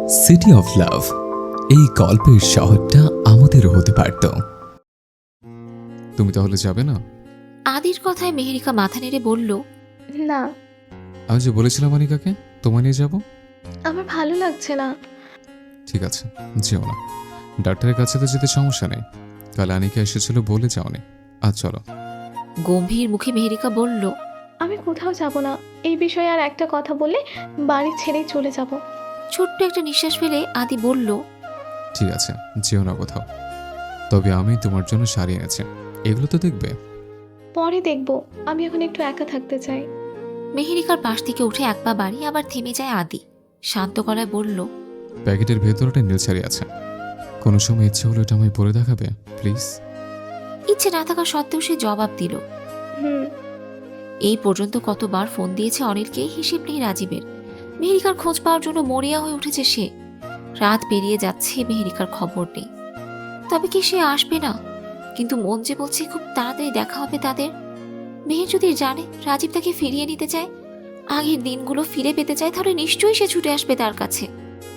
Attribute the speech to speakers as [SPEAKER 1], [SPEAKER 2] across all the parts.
[SPEAKER 1] City of love, এই গল্পের শহরটা আমাদেরও হতে পারত। তুমি তাহলে যাবে না?
[SPEAKER 2] আদির কথায় মেহেরিকা মাথা নেড়ে বলল,
[SPEAKER 3] না,
[SPEAKER 1] আমি যে বলেছিলাম অনিকাকে তোমায় নিয়ে যাব।
[SPEAKER 3] আমার ভালো লাগছে না।
[SPEAKER 1] ঠিক আছে, যেও না। ডাক্তারের কাছে তো যেতে সমস্যা নেই। কাল আনিকা এসেছিল বলে যাওনি। আজ চলো।
[SPEAKER 2] গম্ভীর মুখে মেহেরিকা বলল,
[SPEAKER 3] আমি কোথাও যাব না। এই বিষয়ে আর একটা কথা বললে বাড়ি ছেড়েই চলে যাব।
[SPEAKER 2] ছোট্ট একটা নিঃশ্বাস ফেলে আদি বলল,
[SPEAKER 1] ঠিক আছে, যেও না কোথাও। তবে আমি তোমার জন্য শাড়ি এনেছি, এগুলো তো দেখবে।
[SPEAKER 3] পরে দেখব, আমি এখন একটু একা থাকতে চাই।
[SPEAKER 2] মেহেরিকার পাশ থেকে উঠে এক পা বাড়ি আবার থেমে যায় আদি। শান্ত গলায় বলল,
[SPEAKER 1] প্যাকেটের ভেতরটা নীল শাড়ি আছে। কোনো সময় ইচ্ছে হলো এটা আমায় পরে দেখাবে প্লিজ।
[SPEAKER 2] ইচ্ছে না থাকা সত্ত্বেও সে জবাব দিল।
[SPEAKER 3] হুম।
[SPEAKER 2] এই পর্যন্ত কতবার ফোন দিয়েছে অনিলকে, হিসেব নেই রাজীবের। মেহেরিকার খোঁজ পাওয়ার জন্য মরিয়া হয়ে উঠেছে সে। রাত পেরিয়ে যাচ্ছে, মেহেরিকার খবর নেই। তবে কি সে আসবে না? কিন্তু মন যে বলছে খুব তাড়াতাড়ি দেখা হবে তাদের। মেহের যদি জানে রাজীব তাকে ফিরিয়ে নিতে চায়, আগের দিনগুলো ফিরে পেতে চায়, তাহলে নিশ্চয়ই সে ছুটে আসবে তার কাছে।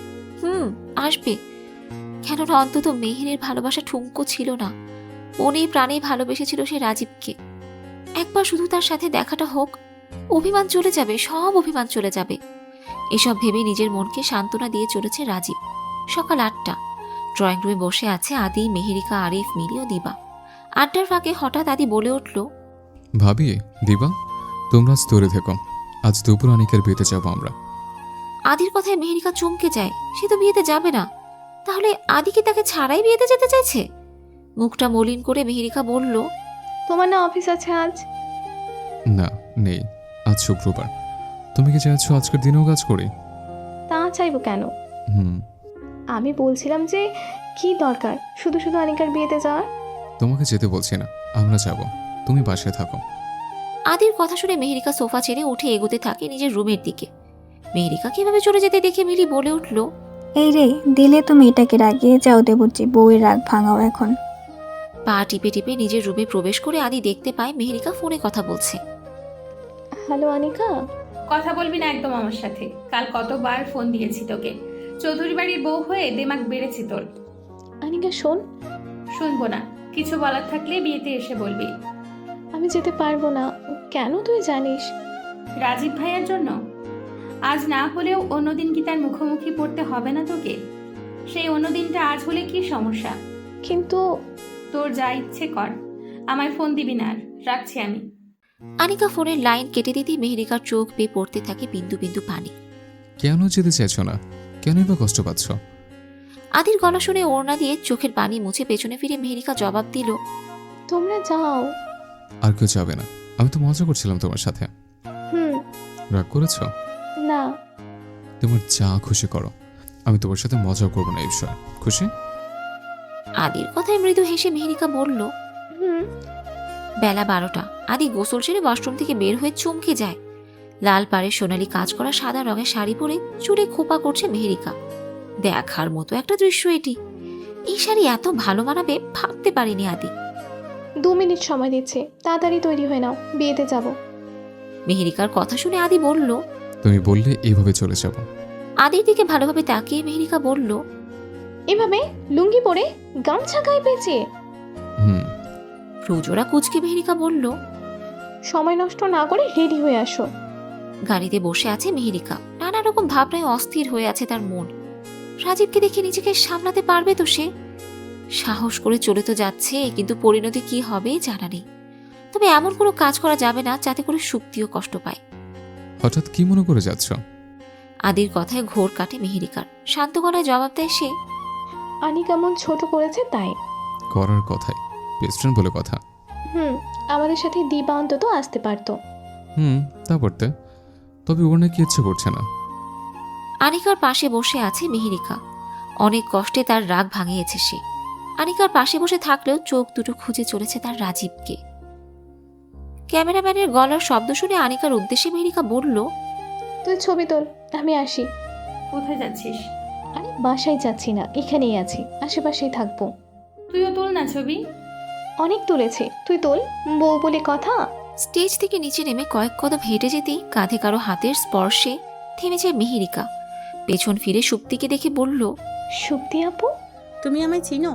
[SPEAKER 2] আসবে। কেননা অন্তত মেহেরের ভালোবাসা ঠুনকো ছিল না। মনে প্রাণে ভালোবেসেছিল সে রাজীবকে। একবার শুধু তার সাথে দেখাটা হোক, অভিমান চলে যাবে, সব অভিমান চলে যাবে। এসব ভেবে নিজের মনকে সান্ত্বনা দিয়ে চলেছে রাজীব। সকাল 8টা। ড্রয়িং রুমে বসে আছে আদি, মেহেরিকা, আরিফ, মিলি ও দিবা। আড্ডার ফাঁকে হঠাৎ আদি বলে উঠল,
[SPEAKER 1] ভাবি, দিবা, তোমরা আজ তৈরি থেকো। আজ দুপুর অনিকের বিয়েতে যাবো আমরা।
[SPEAKER 2] আদির কথায় মেহেরিকা চমকে যায়। সে তো বিয়েতে যাবে না। তাহলে আদি কি তাকে ছাড়াই বিয়েতে যেতে চাইছে? মুখটা মলিন করে মেহেরিকা বলল,
[SPEAKER 3] তোমার না অফিস আছে আজ?
[SPEAKER 1] না, নেই। আজ শুক্রবার। তুমি কি চাইছো আজকের দিনেও কাজ করি?
[SPEAKER 3] তা চাইবো কেন?
[SPEAKER 1] হুম।
[SPEAKER 3] আমি বলছিলাম যে কি দরকার শুধু শুধু অনিকার বিয়েতে যাওয়ার?
[SPEAKER 1] তোমাকে যেতে বলছি না, আমরা যাব। তুমি বাসায় থাকো।
[SPEAKER 2] আদির কথা শুনে মেহেরিকা সোফা ছেড়ে উঠে এগোতে থাকে নিজের রুমের দিকে। মেহেরিকা কিভাবে চলে যেতে দেখে মিলি বলে উঠল,
[SPEAKER 4] এই রে, দিলে তুমি এটাকে রাগিয়ে যাও দেবুর্চি, বউয়ের রাগ ভাঙাও এখন।
[SPEAKER 2] পা টিপে টিপে নিজের রুমে প্রবেশ করে আদি দেখতে পায় মেহেরিকা ফোনে কথা বলছে।
[SPEAKER 3] হ্যালো অনিকা।
[SPEAKER 5] কথা বলবি না একদম আমার সাথে। কাল কতবার ফোন দিয়েছি তোকে। চৌধুরী বাড়ির বউ হয়ে দেমাগ বেড়েছি তোর।
[SPEAKER 3] অনিকা শোন,
[SPEAKER 5] শুনবো না। কিছু বলার থাকলে বিয়েতে এসে বলবি।
[SPEAKER 3] আমি যেতে পারবো না। কেন তুই জানিস?
[SPEAKER 5] রাজীব ভাইয়ের জন্য। আজ না হলেও অন্যদিন কি তার মুখোমুখি পড়তে হবে না তোকে? সেই অন্যদিনটা আজ হলে কি সমস্যা?
[SPEAKER 3] কিন্তু
[SPEAKER 5] তোর যা ইচ্ছে কর, আমায় ফোন দিবি না আর। রাখছি আমি।
[SPEAKER 2] আনিকা ফোনের লাইন কেটে দিতেই মেহেরিকার চোখ বেয়ে পড়তে থাকে বিন্দু বিন্দু পানি।
[SPEAKER 1] কেন যেতে চাইছো না? কেনই বা কষ্ট পাচ্ছ?
[SPEAKER 2] আদির গলা শুনে ওড়না দিয়ে চোখের পানি মুছে পেছনে ফিরে মেহেরিকা জবাব দিল,
[SPEAKER 3] তোমরা যাও।
[SPEAKER 1] আর কেউ যাবে না। আমি তো মজা করছিলাম তোমার সাথে।
[SPEAKER 3] হুম।
[SPEAKER 1] রাগ করেছো?
[SPEAKER 3] না।
[SPEAKER 1] তোমার যা খুশি করো, আমি তোমার সাথে মজা করবো না এই বিষয়ে। খুশি?
[SPEAKER 2] আদির কথায় মৃদু হেসে মেহেরিকা বলল,
[SPEAKER 3] হুম।
[SPEAKER 2] বেলা 12টা। আদি গোসল সেরে ওয়াশরুম থেকে বের হয়ে চমকে যায়। লাল পাড়ে সোনালি কাজ করা সাদা রঙের শাড়ি পরে চুলে খোপা করছে মেহেরিকা। দেখার মতো একটা দৃশ্য এটি। এই শাড়ি এত ভালো মানাবে ভাবতে পারিনি আদি।
[SPEAKER 3] 2 মিনিট সময় দিচ্ছি, তাড়াতাড়ি তৈরি হয়ে নাও, বিয়েতে যাব।
[SPEAKER 2] মেহেরিকার কথা শুনে আদি বলল,
[SPEAKER 1] তুমি বললে এইভাবে চলে যাব।
[SPEAKER 2] আদির দিকে ভালোভাবে তাকিয়ে মেহেরিকা বলল,
[SPEAKER 3] এভাবে লুঙ্গি পরে গামছা গায়ে পেঁচিয়ে?
[SPEAKER 1] হুম।
[SPEAKER 2] প্রজোরা কুচকে মেহেরিকা বলল,
[SPEAKER 3] সময় নষ্ট না করে রেডি হয়ে আসো।
[SPEAKER 2] গাড়িতে বসে আছে মেহেরিকা। নানা রকম ভাবনায় অস্থির হয়ে আছে তার মন। রাজীবকে দেখে নিজেকে সামলাতে পারবে তো সে? সাহস করে চলে তো যাচ্ছে, কিন্তু পরিণতি কি হবে জানা নেই। তবে এমন কোনো কাজ করা যাবে না যাতে করে সুক্তিও কষ্ট পায়।
[SPEAKER 1] হঠাৎ কি মনে করে যাচ্ছ?
[SPEAKER 2] আদির কথায় ঘোর কাটে মেহেরিকার। শান্ত গলায় জবাব দেয় সে,
[SPEAKER 3] আনি কেমন ছোট করেছে তাই।
[SPEAKER 1] করার কথাই, বেস্টফ্রেন্ড বলে কথা।
[SPEAKER 3] আমাদের সাথে দিবা অন্তত আসতে পারতো।
[SPEAKER 1] তা করতে। তবে ওর নাকি ইচ্ছে করছে না।
[SPEAKER 2] আনিকার পাশে বসে আছে মেহেরিকা। অনেক কষ্টে তার রাগ ভাঙিয়েছে সে। আনিকার পাশে বসে থাকলেও চোখ দুটো খুঁজে চলেছে তার রাজীবকে। ক্যামেরাম্যানের গলার শব্দ শুনে আনিকার উদ্দেশ্যে মেহেরিকা বলল,
[SPEAKER 3] তুই ছবি তোল, আমি আসি।
[SPEAKER 5] কোথায় যাচ্ছিস?
[SPEAKER 3] আরে বাসায় যাচ্ছি না, এখানেই আছি, আশেপাশেই থাকবো।
[SPEAKER 5] তুইও তোল না ছবি।
[SPEAKER 3] অনেক তুলেছি, তুই তোল, বউ বলে কথা।
[SPEAKER 2] স্টেজ থেকে নিচে নেমে কয়েক কদম হেঁটে যেতেই কাঁধে কারো হাতের স্পর্শে থেমে যায় মেহেরিকা। পেছন ফিরে সুপ্তিকে দেখে বলল,
[SPEAKER 3] সুপ্তি আপু?
[SPEAKER 6] তুমি আমায় চিনো?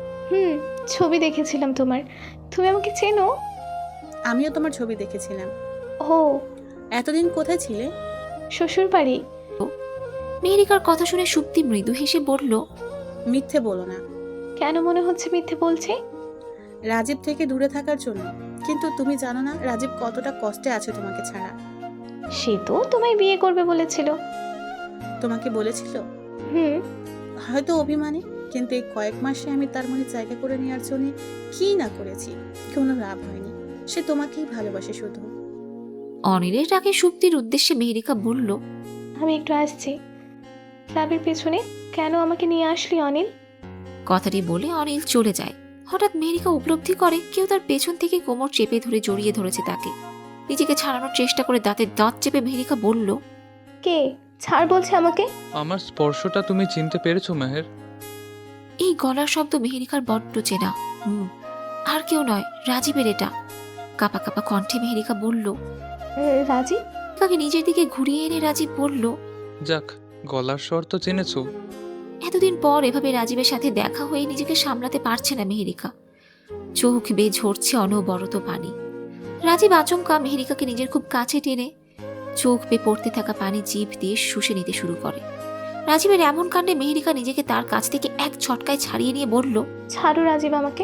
[SPEAKER 3] ছবি দেখেছিলাম তোমার। তুমি আমাকে চেনো?
[SPEAKER 6] আমিও তোমার ছবি দেখেছিলাম।
[SPEAKER 3] ও,
[SPEAKER 6] এতদিন কোথায় ছিলে?
[SPEAKER 3] শ্বশুর বাড়ি।
[SPEAKER 2] মেহেরিকার কথা শুনে সুপ্তি মৃদু হেসে বলল,
[SPEAKER 6] মিথ্যে বলো না।
[SPEAKER 3] কেন মনে হচ্ছে মিথ্যে বলছি?
[SPEAKER 6] রাজীব থেকে দূরে থাকার জন্য। কিন্তু তুমি জানো না রাজীব কতটা কষ্টে আছে তোমাকে ছাড়া।
[SPEAKER 3] সে তো তোমায় বিয়ে করবে বলেছিল।
[SPEAKER 6] তোমাকে বলেছিল?
[SPEAKER 3] হুম।
[SPEAKER 6] হয়তো অভিমানে, কিন্তু এই কয়েক মাসে আমি তার মনে জায়গা করে নেওয়ার জন্য কি না করেছি, কোনো লাভ হয়নি। সে তোমাকেই ভালোবাসে শুধু।
[SPEAKER 2] অনিলের ডাকে সুপ্তির উদ্দেশ্যে মেহেরিকা বলল,
[SPEAKER 3] আমি একটু আসছি। ক্লাবের পেছনে কেন আমাকে নিয়ে আসলি অনিল?
[SPEAKER 2] কথাটি বলে অনিল চলে যায়। হঠাৎ মেহেরিকা উপলব্ধি করে কেউ তার পেছন থেকে কোমর চেপে ধরে জড়িয়ে ধরেছে তাকে। নিজেকে ছাড়ানোর চেষ্টা করে দাঁতের দাঁত চেপে মেহেরিকা বলল,
[SPEAKER 3] কে ছাড় বলছে আমাকে?
[SPEAKER 7] আমার স্পর্শটা তুমি চিনতে পেরেছো মেহের?
[SPEAKER 2] এই গলার শব্দ মেহেরিকার বড্ড চেনা। আর কেউ নয়, রাজীবের এটা। কাপা কাপা কণ্ঠে মেহেরিকা বলল।
[SPEAKER 3] রাজীব?
[SPEAKER 2] তাকে নিজের দিকে ঘুরিয়ে এনে রাজীব বলল,
[SPEAKER 7] যাক, গলার স্বর তো চিনেছো।
[SPEAKER 2] এতদিন পর এভাবে রাজীবের সাথে দেখা হয়ে নিজেকে সামলাতে পারছে না মেহেরিকা। চোখ বেয়ে ঝরছে অনবরত পানি। রাজীব আচমকা মেহেরিকাকে নিজের খুব কাছে টেনে চোখ বেয়ে পড়তে থাকা পানি জিভ দিয়ে শুষে নিতে শুরু করে। রাজীবের এমন কাণ্ডে মেহেরিকা নিজেকে তার কাছ থেকে এক ছটকায় ছাড়িয়ে নিয়ে বলল,
[SPEAKER 3] ছাড়ো রাজীব আমাকে।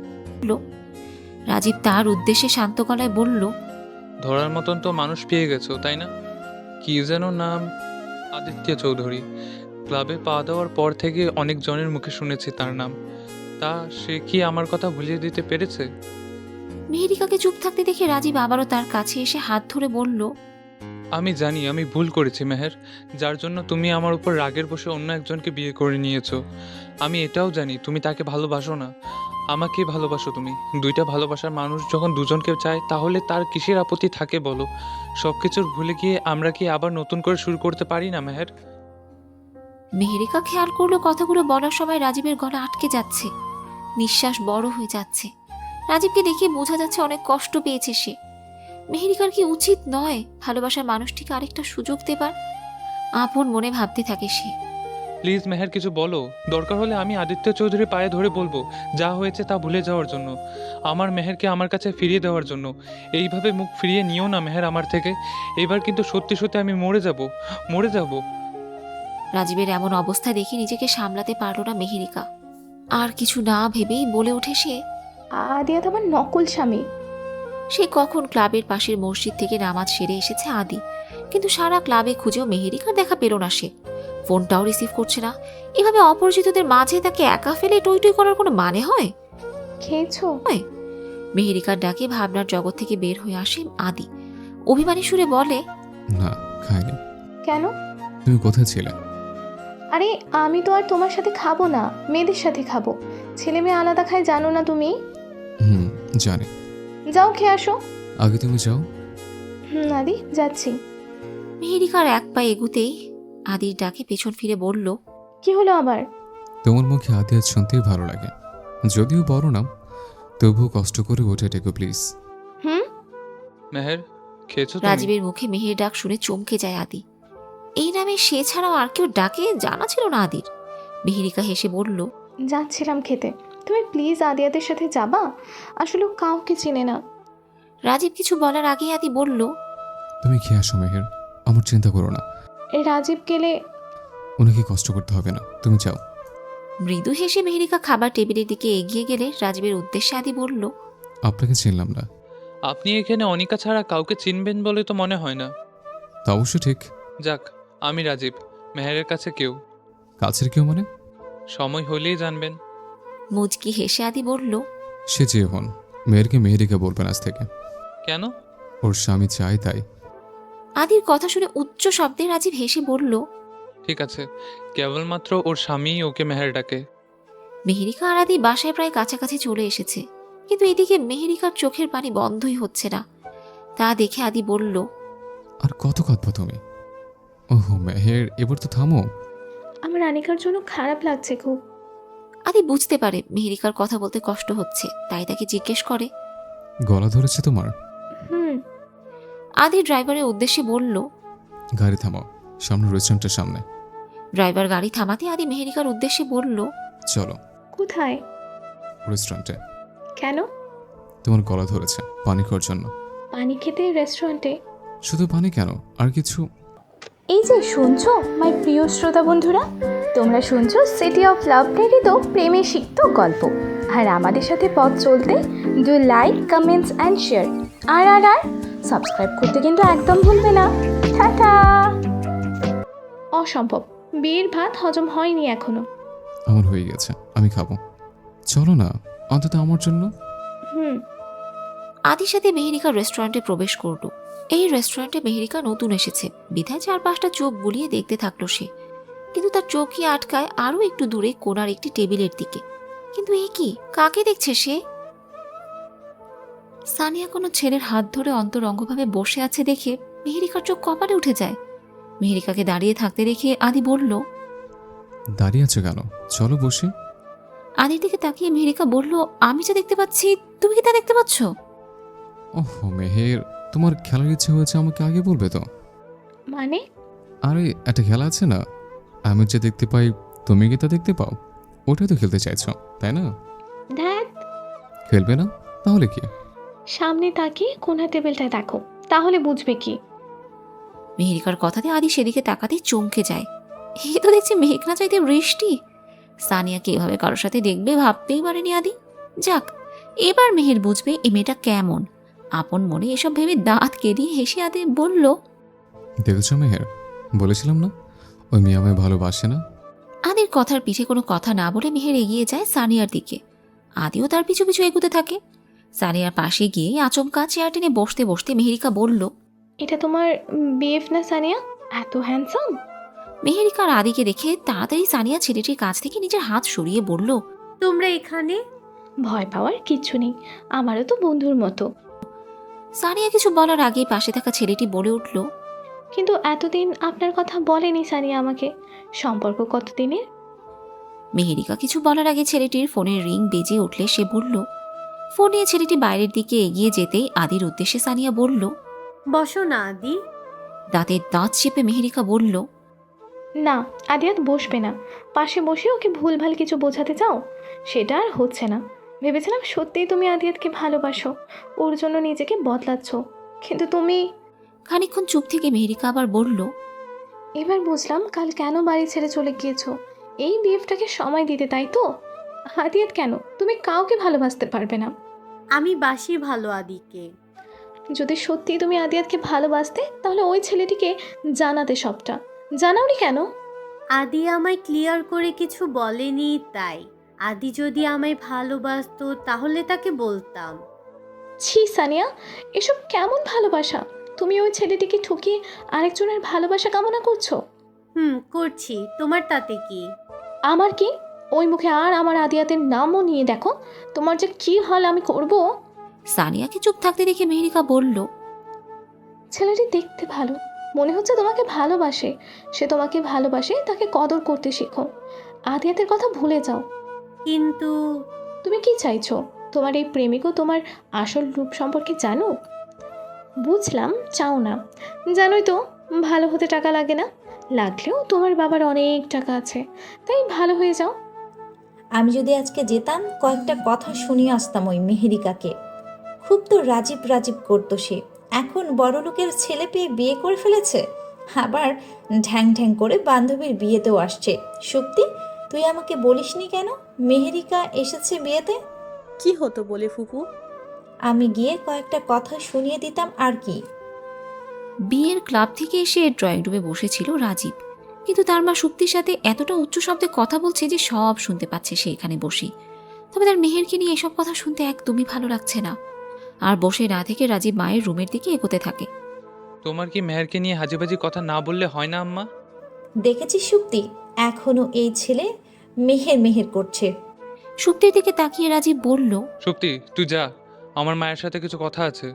[SPEAKER 2] রাজীব তার উদ্দেশ্যে শান্ত গলায় বলল,
[SPEAKER 7] ধরার মতন তো মানুষ পেয়ে গেছো, তাই না? কি যেন নাম? আদিত্য চৌধুরী। ক্লাবে পা দেওয়ার পর থেকে অনেক জনের মুখে শুনেছি তার নাম। তা সে কি আমার কথা ভুলিয়ে দিতে পেরেছে?
[SPEAKER 2] মেহেরিকাকে চুপ থাকতে দেখে রাজীব আবারও তার কাছে এসে হাত ধরে বলল,
[SPEAKER 7] আমি জানি আমি ভুল করেছি মেহের, যার জন্য তুমি আমার উপর রাগের বসে অন্য একজনকে বিয়ে করে নিয়েছো। আমি এটাও জানি তুমি তাকে ভালোবাসো না, আমাকে ভালোবাসো তুমি। দুইটা ভালোবাসার মানুষ যখন দুজনকে চায় তাহলে তার কিসের আপত্তি থাকে বলো? সব কিছুর ভুলে গিয়ে আমরা কি আবার নতুন করে শুরু করতে পারি না মেহের?
[SPEAKER 2] মেহেরিকা খেয়াল করলো কথাগুলো বলার সময় রাজীবের গলা আটকে যাচ্ছে, নিঃশ্বাস বড় হয়ে যাচ্ছে। রাজীবকে দেখে বোঝা যাচ্ছে অনেক কষ্ট পেয়েছে সে। মেহেরিকার কি উচিত নয় ভালোবাসার মানুষটিকে আরেকটা সুযোগ দেবার? আপন মনে ভাবতে থাকে সে।
[SPEAKER 7] প্লিজ মেহের, কিছু বলো। দরকার হলে আমি আদিত্য চৌধুরীর পায়ে ধরে বলবো যা হয়েছে তা ভুলে যাওয়ার জন্য, আমার মেহেরকে আমার কাছে ফিরিয়ে দেওয়ার জন্য। এইভাবে মুখ ফিরিয়ে নিও না মেহের আমার থেকে। এবার কিন্তু সত্যি সত্যি আমি মরে যাব, মরে যাব।
[SPEAKER 2] রাজীবের এমন অবস্থা দেখে নিজেকে সামলাতে পারল না মেহেরিকা। আর কিছু না ভেবেই বলে ওঠে সে,
[SPEAKER 3] আদিয়া তোমার নকল স্বামী।
[SPEAKER 2] সে কখন ক্লাবের পাশের মসজিদ থেকে নামাজ সেরে এসেছে আদি, কিন্তু সারা ক্লাবে খুঁজেও মেহেরিকার দেখা পেল না সে। ফোনটাও রিসিভ করছে না। এভাবে অপরিচিতদের মাঝে তাকে একা ফেলে টই টই করার কোনো মানে হয়?
[SPEAKER 3] খেয়েছো?
[SPEAKER 2] মেহেরিকার ডাকে ভাবনার জগৎ থেকে বের হয়ে আসে আদি। অভিমানী সুরে বলে,
[SPEAKER 1] না, খাইনি।
[SPEAKER 3] কেন?
[SPEAKER 1] তুমি কোথায় ছিলে?
[SPEAKER 3] আরে আমি তো আর তোমার সাথে খাবো না, মেয়েদের সাথে খাবো। ছেলে মেয়ে আলাদা খায় জানো না তুমি?
[SPEAKER 1] জানি।
[SPEAKER 3] যাও খেয়ে আসো।
[SPEAKER 1] আগে তুমি যাও।
[SPEAKER 3] আদি যাচ্ছি।
[SPEAKER 2] মেহেরিকার এক পা এগুতেই আদির ডাকে পেছন ফিরে বলল,
[SPEAKER 3] কি হলো আবার?
[SPEAKER 1] তোমার মুখে আদিয়াত শুনতেই ভালো লাগে, যদিও বড় নাম, তবুও কষ্ট করে ওঠে ডেকো প্লিজ।
[SPEAKER 7] মেহের, খেয়েছো তুমি?
[SPEAKER 2] রাজীবের মুখে মেহের ডাক শুনে চমকে যায় আদি। এই নামে সে ছাড়াও আর কেউ ডাকে জানা ছিল না আদির। মেহেরিকা হেসে বলল,
[SPEAKER 3] যাচ্ছিলাম খেতে। তুমি প্লিজ আদিয়াদের সাথে যাবা? আসলে ও কাউকে চেনে না।
[SPEAKER 2] রাজীব কিছু বলার আগে আদি বলল,
[SPEAKER 1] তুমি খেয়ে আসো মেহের, আমার চিন্তা করো না।
[SPEAKER 3] রাজীব গেলে
[SPEAKER 1] ওনাকে কষ্ট করতে হবে না, তুমি যাও।
[SPEAKER 2] মৃদু হেসে মেহেরিকা খাবার টেবিলের দিকে এগিয়ে গেলে রাজীবের উদ্দেশ্যে আদি বলল,
[SPEAKER 1] আপনাকে চিনলাম না।
[SPEAKER 7] আপনি এখানে অনিকা ছাড়া কাউকে চিনবেন বলে তো মনে হয় না।
[SPEAKER 1] তা অবশ্য ঠিক।
[SPEAKER 7] যাক, আমি রাজীব, মেহেরের কাছে কেউ।
[SPEAKER 1] কাছের কেউ মানে?
[SPEAKER 7] সময় হলেই জানবেন।
[SPEAKER 2] মুচকি হেসে আদি বলল,
[SPEAKER 1] সে যে হন, মেয়েরকে মেহেরিকা বলবেন আজ থেকে।
[SPEAKER 7] কেন?
[SPEAKER 1] ওর স্বামী চাই তাই।
[SPEAKER 2] আদির কথা শুনে উচ্চ শব্দে রাজীব হেসে বলল,
[SPEAKER 7] ঠিক আছে, কেবলমাত্র ওর স্বামীই ওকে মেহের ডাকে।
[SPEAKER 2] মেহেরিকা আর আদি বাসায় প্রায় কাছাকাছি চলে এসেছে, কিন্তু এদিকে মেহেরিকার চোখের পানি বন্ধই হচ্ছে না। তা দেখে আদি বলল,
[SPEAKER 1] আর কত কাঁদবো তুমি? ওহো মেহের, এবার তো থামো।
[SPEAKER 3] আমার আনিকার জন্য খারাপ লাগছে খুব।
[SPEAKER 2] আদি বুঝতে পারে মেহেরিকার কথা বলতে কষ্ট হচ্ছে, তাই তাকে জিজ্ঞেস করে,
[SPEAKER 1] গলা ধরেছে তোমার?
[SPEAKER 2] আদি ড্রাইভারের উদ্দেশ্যে বলল,
[SPEAKER 1] গাড়ি থামাও, সামনে রেস্টুরেন্টের সামনে।
[SPEAKER 2] ড্রাইভার গাড়ি থামাতে আদি মেহেরিকার উদ্দেশ্যে বলল,
[SPEAKER 1] চলো
[SPEAKER 3] কোথায়?
[SPEAKER 1] রেস্টুরেন্টে।
[SPEAKER 3] কেন?
[SPEAKER 1] তোমার গলা ধরেছে, পানি খাওয়ার জন্য।
[SPEAKER 3] পানি খেতে রেস্টুরেন্টে?
[SPEAKER 1] শুধু পানি কেন, আর কিছু?
[SPEAKER 3] এই যে শুনছো মাই প্রিয় শ্রোতা বন্ধুরা, তোমরা শুনছো সিটি অফ লাভ প্রেরিত প্রেমে সিক্ত গল্প। আর আমাদের সাথে পথ চলতে do like, comments and share. আর সাবস্ক্রাইব করতে কিন্তু একদম ভুলবে না। টাটা। অসম্ভব, বিয়ের ভাত হজম হয়নি এখনো।
[SPEAKER 1] আমার হয়ে গেছে, আমি খাবো। চলো না, অন্তত আমার জন্য।
[SPEAKER 2] আদির সাথে মেহেরিকা রেস্টুরেন্টে প্রবেশ করল। এই রেস্টুরেন্টে মেহেরিকা নতুন এসেছে বিধায় 4-5টা চোখ বুলিয়ে দেখতে থাকলো সে, কিন্তু তার চোখই আটকায় আরও একটু দূরে কোণার একটি টেবিলের দিকে। কিন্তু এ কি, কাকে দেখছে সে? সানিয়া কোনো ছেলের হাত ধরে অন্তরঙ্গভাবে বসে আছে দেখে মেহেরিকার চোখ কপালে উঠে যায়। মেহেরিকাকে দাঁড়িয়ে থাকতে দেখে আদি বলল,
[SPEAKER 1] দাঁড়িয়ে আছো কেন, চলো বসি।
[SPEAKER 2] আদির দিকে তাকিয়ে মেহেরিকা বলল, আমি যা দেখতে পাচ্ছি তুমি কি তা দেখতে পাচ্ছ?
[SPEAKER 1] ওহ মেহের, তোমার খেলার ইচ্ছে হয়েছে আমাকে আগে বলবে তো।
[SPEAKER 3] মানে?
[SPEAKER 1] আরে একটা খেলা আছে না, আমি যে দেখতে পাই তুমি কি তা দেখতে পাও, ওটাই তো খেলতে চাইছো তাই না?
[SPEAKER 3] ধ্যাত,
[SPEAKER 1] খেলবে না তাহলে কি?
[SPEAKER 3] সামনে তাকিয়ে কোনা টেবিলটায় দেখো, তাহলে বুঝবে কি।
[SPEAKER 2] মেহেরিকার কথাতে আদি সেদিকে তাকাতে চমকে যায়। এ তো দেখছি মেঘ না চাইতে বৃষ্টি। সানিয়াকে এভাবে কারোর সাথে দেখবে ভাবতেই পারেনি আদি। যাক, এবার মেহের বুঝবে এই মেয়েটা কেমন। আপন মনে এসব ভেবে দাঁত কেলিয়ে হেসে আদি বলল,
[SPEAKER 1] দেখেছো মেহের, বলেছিলাম না ওই মেয়ে আমায় ভালোবাসে না।
[SPEAKER 2] আদির কথার পিছে কোনো কথা না বলে মেহের এগিয়ে যায় সানিয়ার দিকে। আদিও তার পিছু পিছু এগুতে থাকে। সানিয়ার পাশে গিয়ে আচমকা চেয়ার টেনে বসতে বসতে মেহেরিকা বলল,
[SPEAKER 3] এটা তোমার বিএফ না সানিয়া? এত হ্যান্ডসাম।
[SPEAKER 2] মেহেরিকার আদিকে দেখে তাড়াতাড়ি সানিয়া ছেলেটির কাছ থেকে নিজের হাত সরিয়ে বলল,
[SPEAKER 5] তোমরা এখানে?
[SPEAKER 3] ভয় পাওয়ার কিচ্ছু নেই, আমারও তো বন্ধুর মতো।
[SPEAKER 2] সানিয়া কিছু বলার আগেই পাশে থাকা ছেলেটি বলে উঠল,
[SPEAKER 3] কিন্তু এতদিন আপনার কথা বলেনি সানিয়া আমাকে। সম্পর্ক কতদিনের?
[SPEAKER 2] মেহেরিকা কিছু বলার আগে ছেলেটির ফোনের রিং বেজে উঠলে সে বলল। ফোন নিয়ে ছেলেটি বাইরের দিকে এগিয়ে যেতেই আদির উদ্দেশ্যে সানিয়া বলল,
[SPEAKER 5] বসো না আদি।
[SPEAKER 2] দাঁতের দাঁত চেপে মেহেরিকা বলল,
[SPEAKER 3] না, আদিয়াত বসবে না। পাশে বসে ওকে ভুলভাল কিছু বোঝাতে চাও, সেটা আর হচ্ছে না। ভেবেছিলাম সত্যিই তুমি আদিয়াতকে ভালোবাসো, ওর জন্য নিজেকে বদলাচ্ছ, কিন্তু তুমি।
[SPEAKER 2] খানিকক্ষণ চুপ থেকে মেহেরিকা আবার বলল,
[SPEAKER 3] এবার বুঝলাম কাল কেন বাড়ি ছেড়ে চলে গিয়েছো। এই বিএফটাকে সময় দিতে, তাই তো? আদিয়াত কেন, তুমি কাউকে ভালোবাসতে পারবে না।
[SPEAKER 5] আমি বাসি ভালো আদিকে।
[SPEAKER 3] যদি সত্যি তুমি আদিয়াতকে ভালোবাসতে তাহলে ওই ছেলেটিকে জানাতে সবটা। জানাওনি কেন?
[SPEAKER 5] আদি আমায় ক্লিয়ার করে কিছু বলেনি, তাই। আদি যদি আমায় ভালোবাসতো তাহলে তাকে বলতাম।
[SPEAKER 3] ছি সানিয়া, এসব কেমন ভালোবাসা? তুমি ওই ছেলেটিকে ঠকিয়ে আরেকজনের ভালোবাসা কামনা করছো।
[SPEAKER 5] করছি, তোমার তাতে কি?
[SPEAKER 3] আমার কি? ওই মুখে আর আমার আদিয়াতের নামও নিয়ে দেখো, তোমার যে কি হাল আমি করব।
[SPEAKER 2] সানিয়াকে চুপ থাকতে দেখে মেহেরিকা বলল,
[SPEAKER 3] ছেলেটি দেখতে ভালো, মনে হচ্ছে তোমাকে ভালোবাসে। সে তোমাকে ভালোবাসে, তাকে কদর করতে শেখো। আদিয়াতের কথা ভুলে যাও।
[SPEAKER 5] কিন্তু
[SPEAKER 3] তুমি কি চাইছো? তোমার এই প্রেমিকও তোমার আসল রূপ সম্পর্কে জানুক? বুঝলাম চাও না, জানোই তো ভালো হতে টাকা লাগে না। লাগলেও তোমার বাবার অনেক টাকা আছে, তাই ভালো হয়ে যাও।
[SPEAKER 8] আমি যদি আজকে যেতাম কয়েকটা কথা শুনিয়ে আসতাম ওই মেহেরিকাকে। খুব তো রাজীব রাজীব করতো সে। এখন বড়লোকের ছেলে পেয়ে বিয়ে করে ফেলেছে, আবার ঢ্যাং ঢ্যাং করে বান্ধবীর বিয়েতেও আসছে। সত্যি তুই আমাকে বলিসনি কেন মেহেরিকা এসেছে বিয়েতে?
[SPEAKER 6] কি হতো বলে ফুপু?
[SPEAKER 8] আমি গিয়ে কয়েকটা কথা শুনিয়ে দিতাম আর কি।
[SPEAKER 2] বিয়ের ক্লাব থেকে এসে ড্রয়িং রুমে বসেছিল রাজীব, কিন্তু তার মা সুক্তির সাথে এতটা উচ্চ শব্দে কথা বলছে যে সব শুনতে পাচ্ছে সে এখানে বসে। তবে তার মেহেরকে নিয়ে এসব কথা শুনতে একদমই ভালো লাগছে না। আর বসে না থেকে রাজীব মায়ের রুমের দিকে এগোতে থাকে।
[SPEAKER 7] তোমার কি মেহেরকে নিয়ে হাজিবাজি কথা না বললে হয় না আম্মা?
[SPEAKER 8] দেখেছিস সুক্তি, এখনো এই ছেলে মেহের মেহের করছে।
[SPEAKER 2] সুক্তির দিকে তাকিয়ে রাজীব বলল,
[SPEAKER 7] শক্তি তুই যা, আমার মায়ের সাথে কিছু কথা আছে।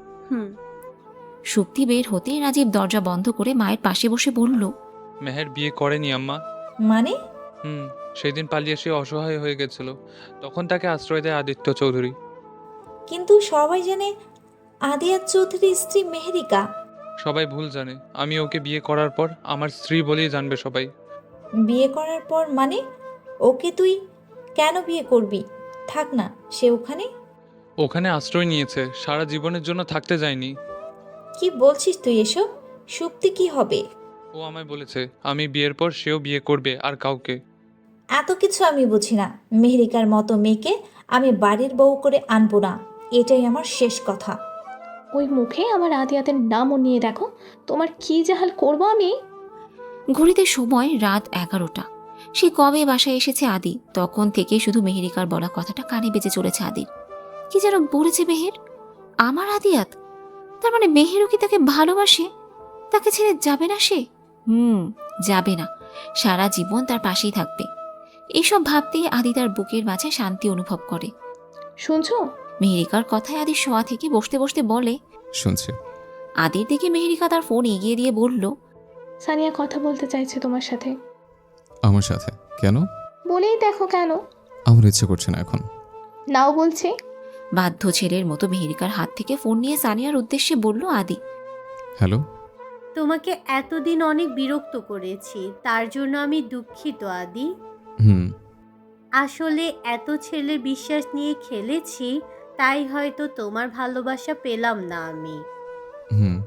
[SPEAKER 2] সুক্তি বের হতে রাজীব দরজা বন্ধ করে মায়ের পাশে বসে বলল,
[SPEAKER 7] মেহের বিয়ে করেনি আম্মা।
[SPEAKER 8] মানে?
[SPEAKER 7] সেদিন পালিয়ে সে অসহায় হয়ে গেছিল, তখন তাকে আশ্রয় দেয় আদিত্য চৌধুরী।
[SPEAKER 8] কিন্তু সবাই জানে আদিয়াত চৌধুরীর স্ত্রী মেহেরিকা।
[SPEAKER 7] সবাই ভুল জানে, আমি ওকে বিয়ে করার পর আমার স্ত্রী বলেই জানবে সবাই।
[SPEAKER 8] বিয়ে করার পর মানে ওকে তুই কেন বিয়ে করবি? থাক না সে ওখানে।
[SPEAKER 7] ওখানে আশ্রয় নিয়েছে, সারা জীবনের জন্য থাকতে যায়নি।
[SPEAKER 8] কি বলছিস তুই এসব? সুপ্তি কি হবে?
[SPEAKER 7] ও আমায় বলেছে আমি বিয়ের পর সেও বিয়ে করবে, আর কাউকে।
[SPEAKER 8] এত কিছু আমি বুঝি না। মেহেরিকার মতো মেয়েকে আমি বাড়ির বউ করে আনবো না, এটাই আমার শেষ কথা।
[SPEAKER 3] ওই মুখে আমার আদিয়াতের নামও নিয়ে দেখো, তোমার কি জাহাল করবো আমি।
[SPEAKER 2] ঘড়িতে সময় রাত 11টা। সে কবে বাসায় এসেছে আদি, তখন থেকে শুধু মেহেরিকার বলা কথাটা কানে বেজে চলেছে আদির। কি যেন বলেছে মেহের, আমার আদিয়াত, তার মানে মেহেরও কি তাকে ভালোবাসে? তাকে ছেড়ে যাবে না সে? যাবে না, সারা জীবন তার পাশেই থাকবে। এইসব ভাবতেই আদি তার বুকের মাঝে শান্তি অনুভব করে।
[SPEAKER 3] শুনছো?
[SPEAKER 2] মেহেরিকার কথায় আদি শোয়া থেকে বসতে বসতে বলে।
[SPEAKER 1] শুনছি।
[SPEAKER 2] আদির দিকে মেহেরিকা তার ফোন এগিয়ে দিয়ে বলল,
[SPEAKER 3] সানিয়া কথা বলতে চাইছে তোমার সাথে।
[SPEAKER 1] আমার সাথে? কেন?
[SPEAKER 3] বলেই দেখো কেন।
[SPEAKER 1] আমার ইচ্ছে করছে না এখন।
[SPEAKER 3] নাও বলছে।
[SPEAKER 2] বাধ্য ছেলের মতো মেহেরিকার হাত থেকে ফোন নিয়ে সানিয়ার উদ্দেশ্যে বলল আদি।
[SPEAKER 1] হ্যালো।
[SPEAKER 9] তোমাকে এতদিন অনেক বিরক্ত করেছি, তার জন্য আমি দুঃখিত আদি।
[SPEAKER 1] হুম।
[SPEAKER 9] আসলে এত ছেলের বিশ্বাস নিয়ে খেলেছি, তাই হয়তো তোমার ভালোবাসা পেলাম না আমি।
[SPEAKER 1] হুম।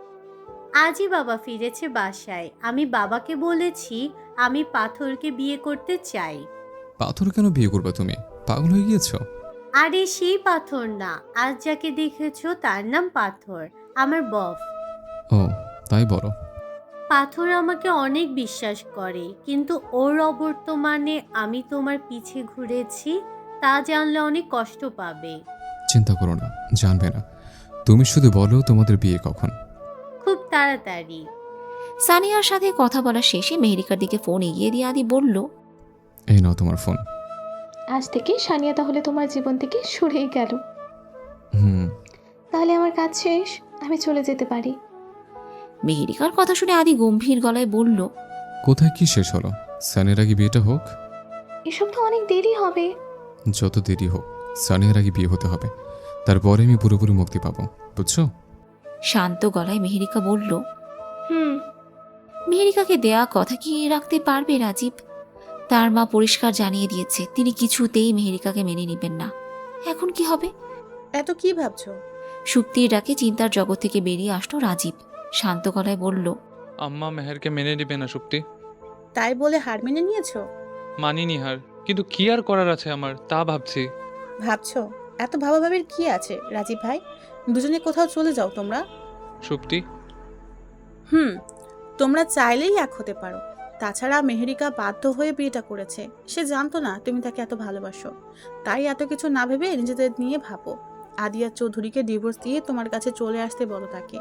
[SPEAKER 9] আজই বাবা ফিরেছে বাসায়। আমি বাবাকে বলেছি আমি পাথরকে বিয়ে করতে চাই।
[SPEAKER 1] পাথর কেন বিয়ে করবে তুমি? পাগল হয়ে গিয়েছো?
[SPEAKER 9] আরে সেই পাথর না, আজ যাকে দেখেছো তার নাম পাথর, আমার বফ।
[SPEAKER 1] ও, তাই বলো।
[SPEAKER 9] পাথর আমাকে অনেক বিশ্বাস করে, কিন্তু ওর অবর্তমানে আমি তোমার পিছে ঘুরেছি, তা জানলে অনেক কষ্ট পাবে।
[SPEAKER 1] চিন্তা করো না, জানবে না। তুমি শুধু বলো তোমাদের বিয়ে কখন।
[SPEAKER 9] খুব তাড়াতাড়ি।
[SPEAKER 2] সানিয়ার সাথে কথা বলা শেষে মেহেরিকার দিকে ফোন এগিয়ে দিয়ে আদি বলল,
[SPEAKER 1] এই নাও তোমার ফোন।
[SPEAKER 3] আজ থেকে সানিয়া তাহলে তোমার জীবন থেকে সরেই গেল।
[SPEAKER 1] হুম।
[SPEAKER 3] তাহলে আমার কাজ শেষ, আমি চলে যেতে পারি।
[SPEAKER 2] মেহেরিকার কথা শুনে আদি গম্ভীর গলায় বলল,
[SPEAKER 1] কোথায় কি শেষ হলো? সানিয়ার আগে বিয়েটা হোক।
[SPEAKER 3] এসব তো অনেক দেরি হবে।
[SPEAKER 1] যত দেরি হোক, সানিয়ার আগে বিয়ে হতে হবে। তারপরে আমি পুরোপুরি মুক্তি পাবো, বুঝছো?
[SPEAKER 2] শান্ত গলায় মেহেরিকা বলল।
[SPEAKER 3] হুম।
[SPEAKER 2] মেহেরিকাকে দেয়া কথা কি রাখতে পারবে রাজীব? তার মা পরিষ্কার জানিয়ে দিয়েছে তিনি কিছুতেই মেহেরিকাকে মেনে নেবেন না। এখন কি হবে?
[SPEAKER 6] এত কি ভাবছো?
[SPEAKER 2] সুপ্তির ডাকে চিন্তার জগৎ থেকে বেরিয়ে আসলো রাজীব। শান্ত গলায় বলল,
[SPEAKER 7] আম্মা মেহেরকে মেনে নেবে না সুপ্তি।
[SPEAKER 6] তাই বলে হার মেনে নিয়েছো?
[SPEAKER 7] মানিনি হার, কিন্তু কি আর করার আছে আমার, তা ভাবছি।
[SPEAKER 6] ভাবছো? এত ভাবাভাবির কি আছে রাজীব ভাই? দুজনে কোথাও চলে যাও তোমরা।
[SPEAKER 7] সুপ্তি,
[SPEAKER 6] তোমরা চাইলেই এক হতে পারো। তাছাড়া মেহেরিকা বাধ্য হয়ে বিয়েটা করেছে, সে জানতো না তুমি তাকে এত ভালোবাসো। তাই এত কিছু না ভেবে নিজেদের নিয়ে ভাবো। আদিয়া চৌধুরীকে ডিভোর্স দিয়ে তোমার কাছে চলে আসতে বলো তাকে।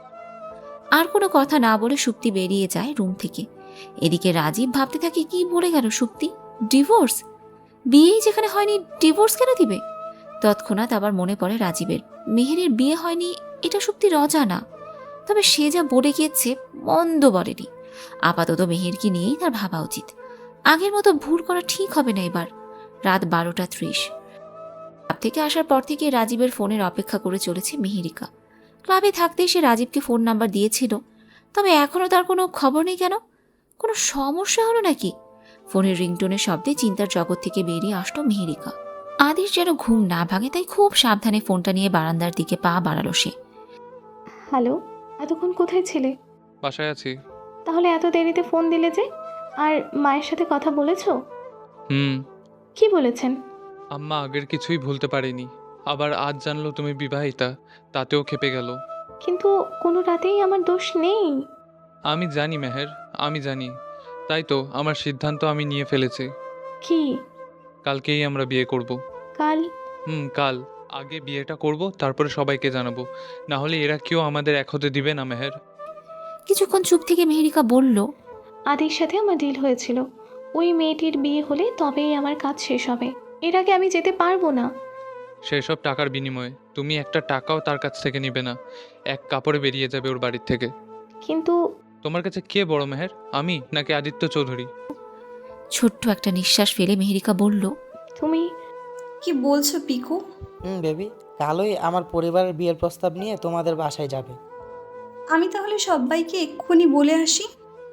[SPEAKER 2] আর কোনো কথা না বলে সুপ্তি বেরিয়ে যায় রুম থেকে। এদিকে রাজীব ভাবতে থাকে, কি বলে গেল সুপ্তি? ডিভোর্স? বিয়েই যেখানে হয়নি ডিভোর্স কেন দিবে? তৎক্ষণাৎ আবার মনে পড়ে রাজীবের মেহেরের বিয়ে হয়নি, এটা সুপ্তির অজানা। তবে সে যা বলে গিয়েছে মন্দ বলেনি। আপাতত মেহেরকে নিয়েই তার ভাবা উচিত। আগের মতো ভুল করা ঠিক হবে না এবার। রাত 12:30। ক্লাব থেকে আসার পর থেকে রাজীবের ফোনের অপেক্ষা করে চলেছে মেহেরিকা। ক্লাবে থাকতেই সে রাজীবকে ফোন নাম্বার দিয়েছিল, তবে এখনও তার কোনো খবর নেই। কেন? কোনো সমস্যা হলো নাকি? ফোনের রিংটোনের শব্দে চিন্তার জগৎ থেকে বেরিয়ে আসলো মেহেরিকা। আদির যেন ঘুম না ভাঙে, তাই খুব সাবধানে ফোনটা নিয়ে বারান্দার দিকে পা বাড়ালো সে।
[SPEAKER 3] হ্যালো, এতক্ষণ কোথায় ছিলে?
[SPEAKER 7] বাসায় আছি।
[SPEAKER 3] তাহলে এত দেরিতে ফোন দিলে যে? আর মায়ের সাথে কথা বলেছো?
[SPEAKER 7] হুম।
[SPEAKER 3] কি বলেছেন?
[SPEAKER 7] আম্মা আগের কিছুই ভুলতে পারেনি, আবার আজ জানলো তুমি বিবাহিতা, তাতেও খেপে গেল।
[SPEAKER 3] কিন্তু কোনো রাতেই আমার দোষ নেই।
[SPEAKER 7] আমি জানি মেহের, আমি জানি। তাই তো আমার সিদ্ধান্ত আমি নিয়ে ফেলেছি।
[SPEAKER 3] কি?
[SPEAKER 7] কালকেই আমরা বিয়ে করব।
[SPEAKER 3] কাল?
[SPEAKER 7] কাল। আগে বিয়েটা করব, তারপরে সবাইকে জানাবো। না হলে এরা কেউ আমাদের এক হতে দিবে না মেহের।
[SPEAKER 2] কিছুক্ষণ চুপ থেকে মেহেরিকা বলল,
[SPEAKER 3] আদির সাথে আমার ডিল হয়েছিল, ওই মেয়েটির বিয়ে হলে তবেই আমার কাজ শেষ হবে। এর আগে আমি যেতে পারবো না।
[SPEAKER 7] সেসব টাকার বিনিময়ে তুমি একটা টাকাও তার কাছ থেকে নিবে না। এক কাপড়ে বেরিয়ে যাবে ওর বাড়ির থেকে।
[SPEAKER 3] কিন্তু
[SPEAKER 7] তোমার কাছে কে বড় মেহের, আমি নাকি আদিত্য চৌধুরী?
[SPEAKER 2] ছোট্ট একটা নিঃশ্বাস ফেলে মেহেরিকা বলল,
[SPEAKER 3] তুমি
[SPEAKER 10] কি বলছো পিকু?
[SPEAKER 11] বেবি, কালই আমার পরিবারের বিয়ের প্রস্তাব নিয়ে তোমাদের বাসায় যাবে।
[SPEAKER 10] আমি তাহলে সবাইকে এক্ষুনি বলে আসি।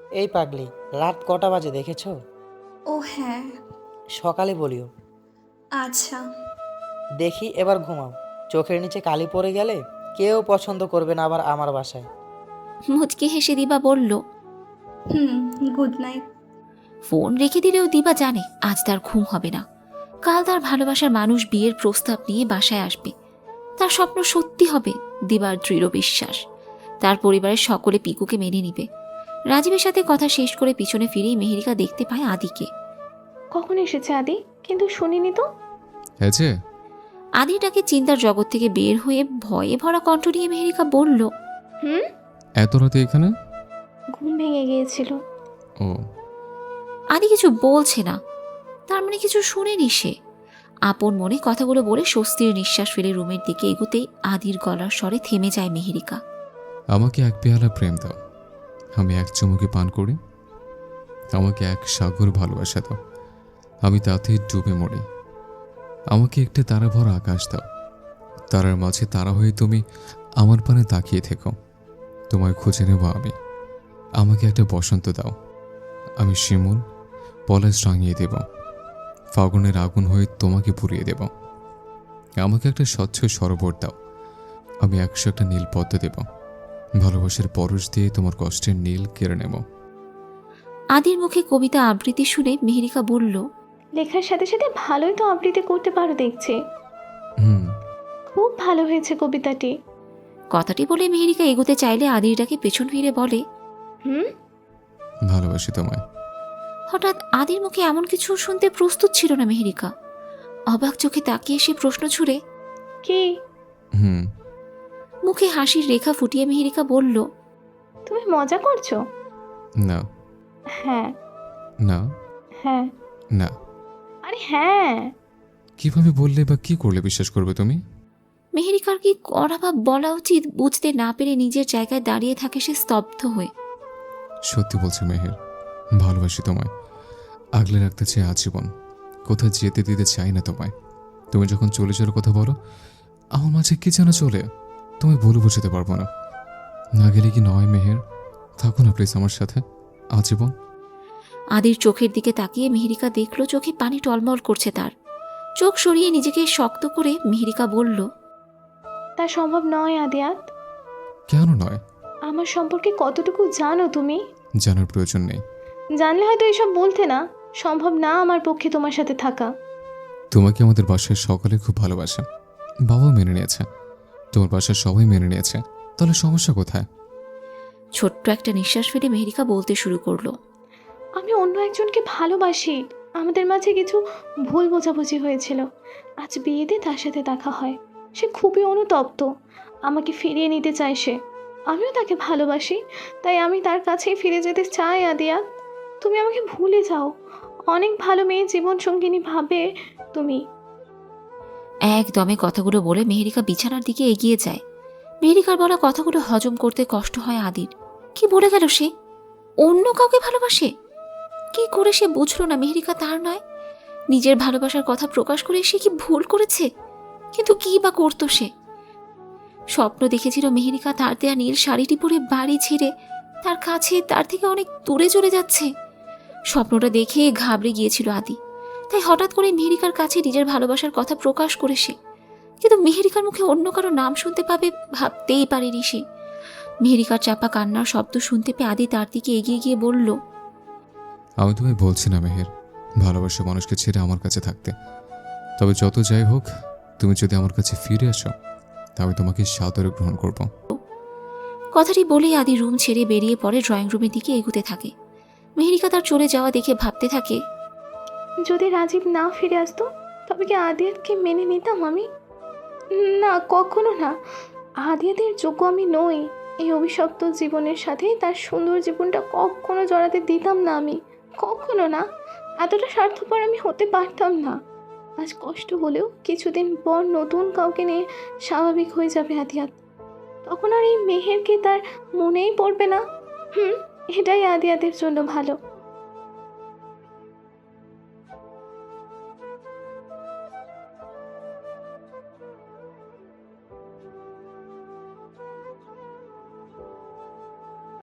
[SPEAKER 11] এই পাগলি, রাত কটা বাজে দেখেছো?
[SPEAKER 10] ও হ্যাঁ,
[SPEAKER 11] সকালে বলিও।
[SPEAKER 10] আচ্ছা।
[SPEAKER 11] দেখি এবার ঘুমাও। চোখের নিচে কালি পড়ে গেলে কেউ পছন্দ করবে না আবার আমার বাসায়।
[SPEAKER 2] মুচকি হেসে দিবা বলল।
[SPEAKER 10] হুম, গুড নাইট।
[SPEAKER 2] ফোন রেখে দিলেও দিবা জানে আজ তার ঘুম হবে না। কাল তার ভালোবাসার মানুষ বিয়ের প্রস্তাব নিয়ে বাসায় আসবে। তার স্বপ্ন সত্যি হবে, দিবার দৃঢ় বিশ্বাস। তার পরিবারের সকলে পিকুকে মেনে নিবে। রাজীবের সাথে কথা শেষ করে পিছনে ফিরেই মেহেরিকা দেখতে পায় আদিকে।
[SPEAKER 3] কখন এসেছে আদি? কিন্তু শুনিনি তো।
[SPEAKER 1] হ্যাঁ যে,
[SPEAKER 2] আদিটাকে চিন্তার জগৎ থেকে বের হয়ে ভয়ে ভরা কণ্ঠ নিয়ে মেহেরিকা বলল।
[SPEAKER 3] হুম,
[SPEAKER 1] এত রাতে এখানে?
[SPEAKER 3] ঘুম ভেঙে গিয়েছিল।
[SPEAKER 1] ও,
[SPEAKER 2] আদি কিছু বলছে না, তার মানে কিছু শুনেনি সে। আপন মনে কথাগুলো বলে স্বস্তির নিঃশ্বাস ফেলে রুমের দিকে এগোতেই আদির গলার স্বরে থেমে যায় মেহেরিকা।
[SPEAKER 1] আমাকে এক পেয়ালা প্রেম দাও, আমি এক চুমুকে পান করি। আমাকে এক সাগর ভালোবাসা দাও, আমি তাতে ডুবে মরি। আমাকে একটা তারা ভরা আকাশ দাও, তারার মাঝে তারা হয়ে তুমি আমার পানে তাকিয়ে থেকো। তোমায় খুঁজে নেব আমি। আমাকে একটা বসন্ত দাও, আমি শিমুল পলাশ রাঙিয়ে দেব। ফাগুনের আগুন হয়ে তোমাকে পুড়িয়ে দেব। আমাকে একটা স্বচ্ছ সরোবর দাও, আমি 100টা নীল পদ্ম দেব। ভালোবাসার পরশ দিয়ে তোমার কষ্টের নীল কেড়ে নেব।
[SPEAKER 2] আদির মুখে কবিতা আবৃত্তি শুনে মেহেরিকা বলল।
[SPEAKER 3] লেখার সাথে সাথে ভালোই তো আবৃত্তি করতে পারো দেখছি।
[SPEAKER 1] হুম,
[SPEAKER 3] খুব ভালো হয়েছে কবিতাটি।
[SPEAKER 2] কথাটি বলে মেহেরিকা এগোতে চাইলে আদিরটাকে পেছন ফিরে বলে।
[SPEAKER 3] হুম,
[SPEAKER 1] ভালোবাসি তোমায়।
[SPEAKER 2] হঠাৎ আদির মুখে এমন কিছু শুনতে প্রস্তুত ছিল না মেহেরিকা। অবাক চোখে তাকিয়ে সে প্রশ্ন ছুড়ে।
[SPEAKER 3] কি?
[SPEAKER 1] হুম,
[SPEAKER 2] মুখে হাসির রেখা ফুটিয়ে মেহেরিকা বলল।
[SPEAKER 3] তুমি মজা করছো?
[SPEAKER 1] না
[SPEAKER 3] হ্যাঁ
[SPEAKER 1] না
[SPEAKER 3] হ্যাঁ।
[SPEAKER 1] না।
[SPEAKER 3] আরে হ্যাঁ।
[SPEAKER 1] কিভাবে বললে বা কি করলে বিশ্বাস করবে তুমি?
[SPEAKER 2] মেহেরিকার কি করা বা বলা উচিত বুঝতে না পেরে নিজের জায়গায় দাঁড়িয়ে থাকে সে স্তব্ধ হয়ে।
[SPEAKER 1] সত্যি বলছি মেহের, ভালোবাসি তোমায়। আগলে রাখতে চাই আজীবন, কোথাও যেতে দিতে চাই না তোমায়। তুমি যখন চলে যাওয়ার কথা বলো, আমার মাঝে কি যেন চলে, তুমি বলে বুঝতে পারবো না। না গেলে কি নয় মেহের, থাকো না প্লিজ আমার সাথে আজীবন।
[SPEAKER 2] আদির চোখের দিকে তাকিয়ে মেহেরিকা দেখল চোখে পানি টলমল করছে তার। চোখ সরিয়ে নিজেকে শক্ত করে মেহেরিকা বলল।
[SPEAKER 3] তা সম্ভব নয় আদিয়াত।
[SPEAKER 1] কেন নয়?
[SPEAKER 3] আমার সম্পর্কে কতটুকু জানো তুমি?
[SPEAKER 1] জানার প্রয়োজন নেই।
[SPEAKER 3] জানলে হয়তো এসব বলতে না। সম্ভব না আমার পক্ষে তোমার সাথে থাকা।
[SPEAKER 1] তোমাকে আমাদের বাসায় সকলে খুব ভালোবাসে, বাবাও মেনে নিয়েছে, তোমার বাসায় সবাই মেনে নিয়েছে, তাহলে সমস্যা কোথায়?
[SPEAKER 2] ছোট্ট একটা নিঃশ্বাস ফেলে মেহেরিকা বলতে শুরু করলো।
[SPEAKER 3] আমি অন্য একজনকে ভালোবাসি। আমাদের মাঝে কিছু ভুল বোঝাবুঝি হয়েছিল। আজ বিয়েতে তার সাথে দেখা হয়। সে খুবই অনুতপ্ত। আমাকে ফিরিয়ে নিতে চায় সে। আমিও তাকে ভালোবাসি, তাই আমি তার কাছেই ফিরে যেতে চাই আদিয়া। তুমি আমাকে ভুলে যাও। অনেক ভালো মেয়ে জীবন সঙ্গিনী ভাবে তুমি।
[SPEAKER 2] একদমে কথাগুলো বলে মেহেরিকা বিছানার দিকে এগিয়ে যায়। মেহেরিকার বলা কথাগুলো হজম করতে কষ্ট হয় আদির। কি বলে গেল সে? অন্য কাউকে ভালোবাসে? কি করে সে বুঝলো না মেহেরিকা তার নয়? নিজের ভালোবাসার কথা প্রকাশ করে সে কি ভুল করেছে? কিন্তু কি বা করতো সে? স্বপ্ন দেখেছিল মেহেরিকা তার দেয়া নীল শাড়িটি পরে বাড়ি ছেড়ে তার কাছে তার থেকে অনেক দূরে চলে যাচ্ছে। স্বপ্নটা দেখে ঘাবড়ে গিয়েছিল আদি, তাই হঠাৎ করে মেহেরিকার কাছে নিজের ভালোবাসার কথা প্রকাশ করে সে। কিন্তু মেহেরিকার মুখে অন্য কারো নাম শুনতে পাবে ভাবতেই পারেনি সে। মেহেরিকার চাপা কান্নার শব্দ শুনতে পেয়ে আদি তার দিকে এগিয়ে গিয়ে বলল।
[SPEAKER 1] আমি তোমায় বলছি না মেহের, ভালোবাসা মানুষকে ছেড়ে আমার কাছে থাকতে। তবে যত যাই হোক, তুমি যদি আমার কাছে ফিরে আসো, তবে তোমাকে সাদরে গ্রহণ করব।
[SPEAKER 2] কথাটি বলেই আদি রুম ছেড়ে বেরিয়ে পড়ে ড্রয়িং রুমের দিকে এগুতে থাকে। মেহেরিকা তার চলে যাওয়া দেখে ভাবতে থাকে,
[SPEAKER 3] যদি রাজীব না ফিরে আসতো তবে কি আদিয়াতকে মেনে নিতাম আমি? না, কখনো না। আদিয়াতের যোগ্য আমি নই। এই অভিশপ্ত জীবনের সাথে তার সুন্দর জীবনটা কখনো জড়াতে দিতাম না আমি। কখনো না। এতটা স্বার্থপর আমি হতে পারতাম না। আজ কষ্ট হলেও কিছুদিন পর নতুন কাউকে নিয়ে স্বাভাবিক হয়ে যাবে আদিয়াত। তখন আর এই মেহেরকে তার মনেই পড়বে না। এটাই আদিয়াতের জন্য ভালো।